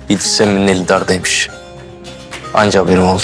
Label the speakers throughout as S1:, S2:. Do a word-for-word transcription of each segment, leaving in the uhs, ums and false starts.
S1: İdris Emmi'nin eli dardaymış. Anca haberim oldu.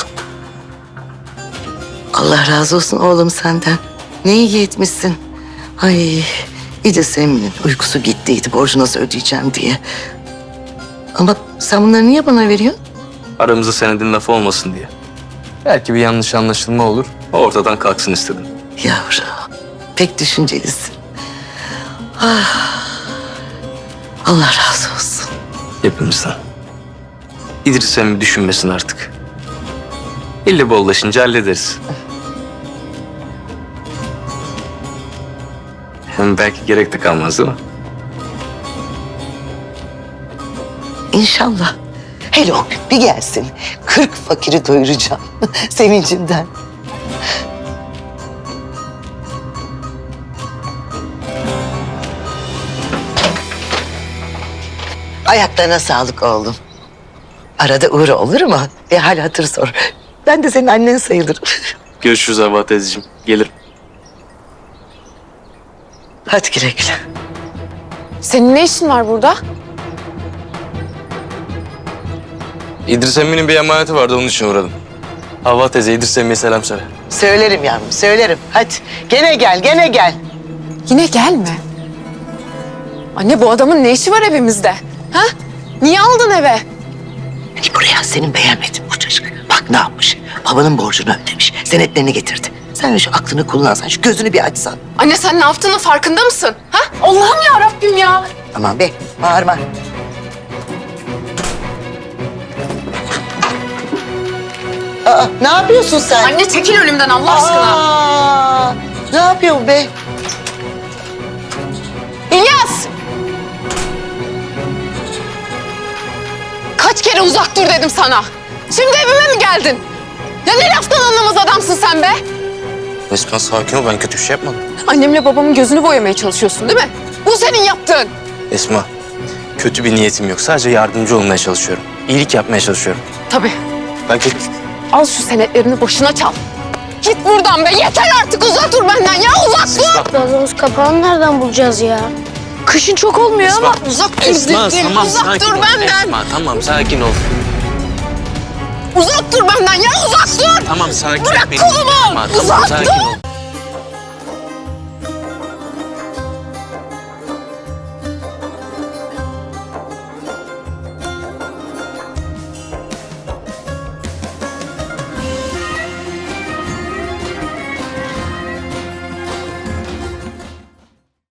S2: Allah razı olsun oğlum senden. Ne iyi etmişsin. Ay İdris Emin'in uykusu gittiydi borcu nasıl ödeyeceğim diye. Ama sen bunları niye bana veriyorsun?
S1: Aramızda senedin lafı olmasın diye. Belki bir yanlış anlaşılma olur. Ortadan kalksın istedim.
S2: Yavrum pek düşüncelisin. Ah, Allah razı olsun.
S1: Hepimizden. İdris Emmi düşünmesin artık. İlle bollaşınca hallederiz. Hem belki gerek de kalmaz değil mi?
S2: İnşallah. Hele o gün bir gelsin. Kırk fakiri doyuracağım sevincimden. Ayaklarına sağlık oğlum. Arada uğra olur mu? Bir hal hatır sor. Ben de senin annen sayılırım.
S1: Görüşürüz Havva teyzeciğim. Gelirim.
S2: Hadi güle güle.
S3: Senin ne işin var burada?
S1: İdris Emmi'nin bir emaneti vardı, onun için uğradım. Havva teyze, İdris Emmi'ye selam söyle.
S2: Söylerim yavrum, söylerim. Hadi gene gel, gene gel.
S3: Yine gelme. Anne bu adamın ne işi var evimizde? Ha? Niye aldın eve?
S2: Hani buraya senin beğenmedin bu çocuk. Bak ne yapmış. Babanın borcunu ödemiş. Senetlerini getirdi. Sen şu aklını kullansan, şu gözünü bir açsan.
S3: Anne sen ne yaptığının farkında mısın? Ha? Allah'ım ya Rabbim ya.
S2: Aman be, bağırma. Aa, ne yapıyorsun sen?
S3: Anne çekil önümden Allah aşkına.
S2: Aa, ne yapıyor bu be?
S3: İlyas! Kaç kere uzak dur dedim sana. Şimdi evime mi geldin? Ya ne laftan anlamaz adamsın sen be?
S1: Esma sakin ol, ben kötü bir şey yapmadım.
S3: Annemle babamın gözünü boyamaya çalışıyorsun değil mi? Bu senin yaptığın.
S1: Esma, kötü bir niyetim yok. Sadece yardımcı olmaya çalışıyorum. İyilik yapmaya çalışıyorum.
S3: Tabii.
S1: Ben kötü...
S3: Al şu senetlerini başına çal. Git buradan be. Yeter artık. Uzak dur benden ya. Uzak dur.
S4: Gazoz kapağını nereden bulacağız ya?
S3: Kışın çok olmuyor
S1: Esma,
S3: ama uzak dur
S1: Esma,
S3: dedim.
S1: tamam,
S3: Uzak
S1: sakin
S3: dur
S1: ol.
S3: benden.
S1: Esma, tamam, sakin ol.
S3: Uzak dur benden ya. Uzak dur.
S1: Tamam, sakin ol.
S3: Bırak
S1: benim.
S3: kolumu.
S1: Esma, tamam,
S3: Uzak
S1: sakin
S3: dur.
S1: ol.